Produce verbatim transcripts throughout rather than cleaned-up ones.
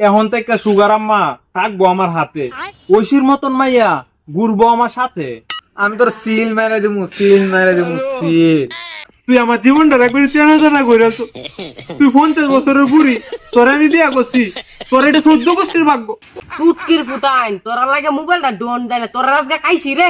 এখন থেকে সুগার আম্মা থাকবো আমার হাতে, ঐশীর মতন মাইয়া ঘুরবো আমার সাথে। আমি তোর সিল মেরে দিমু, সিল মেরে দিমু, সিল। তুই আমার জীবনটা একবার চেনা জানা করে আছো। তুই পঞ্চাশ বছরের বুড়ি, তোর আমি বিয়া করছি, তোর এটা চোদ্দ গোষ্ঠীর ভাগ্য। সুটকির ফুটাইন তোরা লাগে মোবাইলটা ডোন দেয় না, তোরা আজকে খাইছি রে।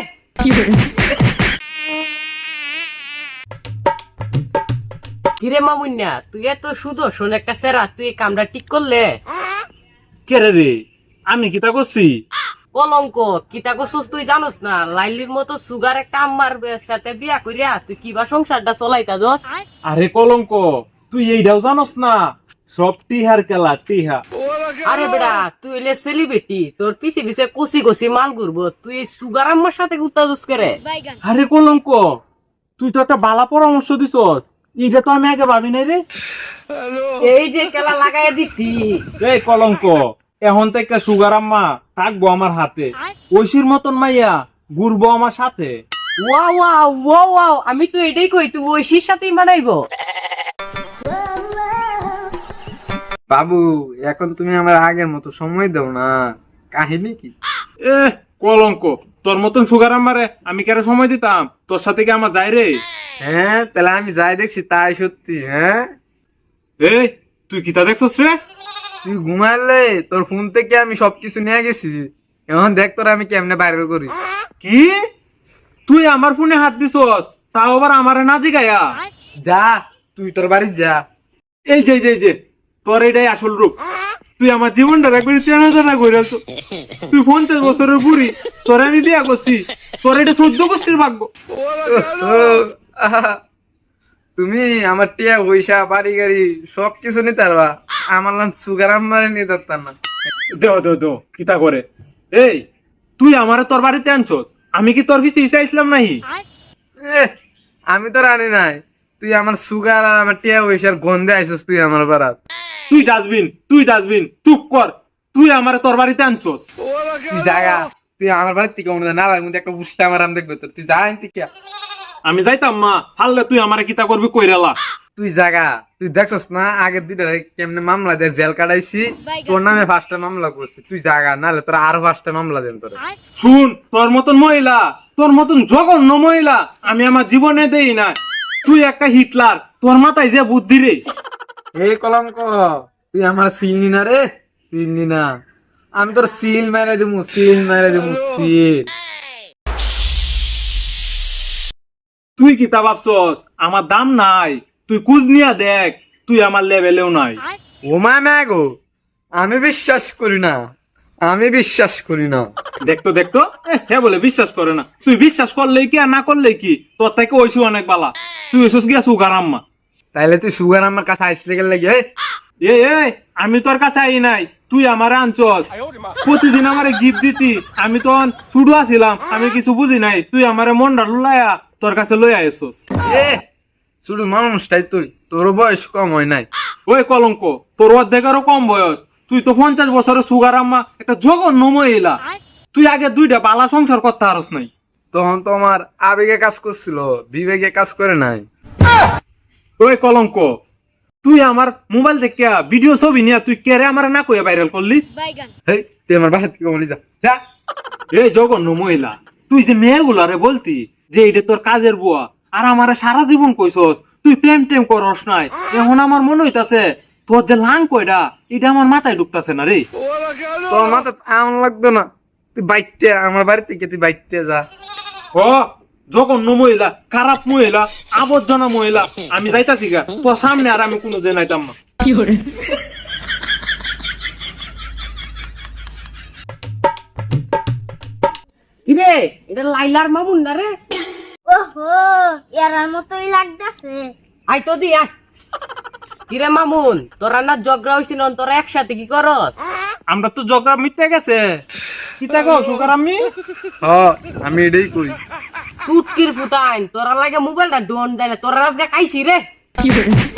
কিরে মামুন্যা, তুই এত সুদর্শন একটা সেরা, তুই এই কামটা ঠিক করলে? কেরে রে, আমি কি তা করছি? কলঙ্ক কিতা করছিস তুই জানোস না? লাইলির মতো সুগার একটা আম্মার সাথে বিয়া করিয়া তুই কিবা সংসারটা চলাইতা দোস? আরে কলঙ্ক, তুই এইটাও জানোস না? সব টিহার খেলা, টিহা। আরে বেটা, তুই হইলে সেলিব্রিটি, তোর পিছে পিছে কষি কষি মাল ঘুরবো, তুই এই সুগার আম্মার সাথে গুত্তা দোস করে? আরে কলঙ্ক, তুই তো একটা বালা পরামর্শ দিছ, এইটা তো আমি আগে ভাবি নাই রে। এই যে খেলা লাগাই দিছি। এই কলঙ্ক, এখন থেকে সুগার আম্মা থাকবো আমার হাতে, ঐশীর মতন মাইয়া ঘুরবো আমার সাথে। ওয়াও ওয়াও ওয়াও ওয়াও, আমি তো এটাই কই, তুই ঐশীর সাথেই মানাইবো। বাবু, এখন তুমি আমার আগের মতো সময় দাও না, কাহিনী কি? এ কলঙ্ক, তোর মতন সুগার আম্মারে আমি কেন সময় দিতাম? তোর সাথে কি আমার যাই রে? হ্যাঁ, তাহলে আমি যাই দেখছি তাই সত্যি। হ্যাঁ, এই তুই কিতা দেখছস রে? তুই ঘুমাইলে তোর ফোন থেকে আমি সবকিছু নিয়ে গেছি, এখন দেখ তোর আমি কেমনে বাইরে করি। কি তুই আমার ফোনে হাত দিছস, তাও আবার আমারে না জিগায়া? যা, তুই তোর বাড়ি যা। এই যে এই যে, এই যে তোর এটাই আসল রূপ। তুই আমার জীবনটা একবার চেনা জানা করে আছো। তুই পঞ্চাশ বছরের বুড়ি, তোর আমি বিয়া করছি, তোর এটা চোদ্দ গোষ্ঠীর ভাগ্য। ও, আহা, তুমি আমার টিয়া পয়সা বাড়ি গাড়ি সবকিছু নিতে পারবা, আমার নাম সুগার আম্মারে নিতে পারতাম না। দেও দেও দেও, কিতা করে? এই তুই আমারে তোর বাড়িতে আনছস, আমি কি তোর পিছে ইসাইছিলাম নাহি? এ, আমি তো রানি নাই, তুই আমার সুগার আর আমার টিয়া পয়সার গন্ধে আইসস তুই আমার বাড়াত। তুই ডাস্টবিন, তুই ডাস্টবিন, চুপ কর। তুই আমারে তোর বাড়িতে আনছস। তুই জায়গা, তুই আমার বাড়ির থেকে মনে না লাগে একটা বুঝতে আমার আম দেখবে তোর, তুই যা আনতি কে। আমি যাইতাম মা, হারলে তুই আমারে কিতা করবি কইরালা। তুই জায়গা, তুই দেখছস না আগের দুইটা কেমনে মামলা দিয়ে জেল কাটাইছি, তোর নামে পাঁচটা মামলা করছি। তুই জায়গা, নাহলে তোর আরো পাঁচটা মামলা দেন তোর। শুন, তোর মতন মহিলা, তোর মতন জঘন্য মহিলা আমি আমার জীবনে দেই না। তুই একটা হিটলার, তোর মাথায় যে বুদ্ধি রে। এই কলঙ্ক, তুই আমার চিনি না রে, চিনি না। আমি তোর সিল মেরে দিমু, সিল মেরে দিমু, সিল। তুই কিতা ভাবছস আমার দাম নাই? তুই কুজ নিয়া দেখ, তুই আমার লেভেলেও নাই। ও মা ম্যাগো, আমি বিশ্বাস করি না, আমি বিশ্বাস করি না। দেখতো দেখতো, হ্যাঁ বলে বিশ্বাস করে না। তুই বিশ্বাস করলেই কি আর না করলেই কি, তোর থেকে ওইসু অনেক বালা। তুই ওইসুস গিয়া সুগার আম্মা। তাইলে তুই সুগার আমার কাছে আসতে গেলে লাগে? এ এ আমি তোর কাছে আই নাই, তুই আমারে আনছস। প্রতিদিন আমারে গিফট দিতি, আমি তো ছুটু আছিলাম, আমি কিছু বুঝি নাই। তুই আমারে মনটা লুলাইয়া তোর কাছে লই আইছস। এ শুধু মানুষটাই তুই, তোর বয়স কম হয় নাই। ওই কলঙ্ক, তোর অর্ধেকেরও কম বয়স। তুই তো পঞ্চাশ বছরের সুগার আম্মা, একটা জঘন্য মহিলা। তুই আগে দুইটা বালা সংসার করতে পারস নাই। তখন তো আমার আবেগে কাজ করছিল, বিবেকে কাজ করে নাই। ওই কলঙ্ক, তুই আমার মোবাইল থেকে ভিডিও ছবি নিয়ে তুই কেরে আমার না কইয়া ভাইরাল করলি? হেই, তুই আমার বাসা থেকে বলি যা যা। এই জঘন্য মহিলা, তুই যে মেয়েগুলারে বলতি যে এটা তোর কাজের বুয়া, আর আমারে সারা জীবন কইছস তুই প্রেম টেম করস নাই। এখন আমার মনে হইতাছে তোর যে লাং কয়টা, এটা আমার মাথায় ঢুকতাছে না রে। তোর মাথা এমন লাগতো না, তুই বাইকতে আমার বাড়ি থেকে তুই বাইকতে যা। ও জঘন্য মহিলা, খারাপ মহিলা, আবর্জনা মহিলা, আমি যাইতাছি গা তোর সামনে, আর আমি কোনো দিন আইতাম না। কিরে, এটা লাইলার মামুন না রে? ওহো, এরার মতোই লাগতেছে। আই তো দি আয়। কিরে মামুন, তোরা না ঝগড়া হইছিল, তোরা একসাথে কি করস? আমরা তো জগা মিটতে গেছে। কি থাকো সুগার আমি? হ, আমি এটাই করি। সুটকির ফুটাইন তোরা লাগে মোবাইলটা ডোন দেয় না, তোরা আজকে খাইছি রে।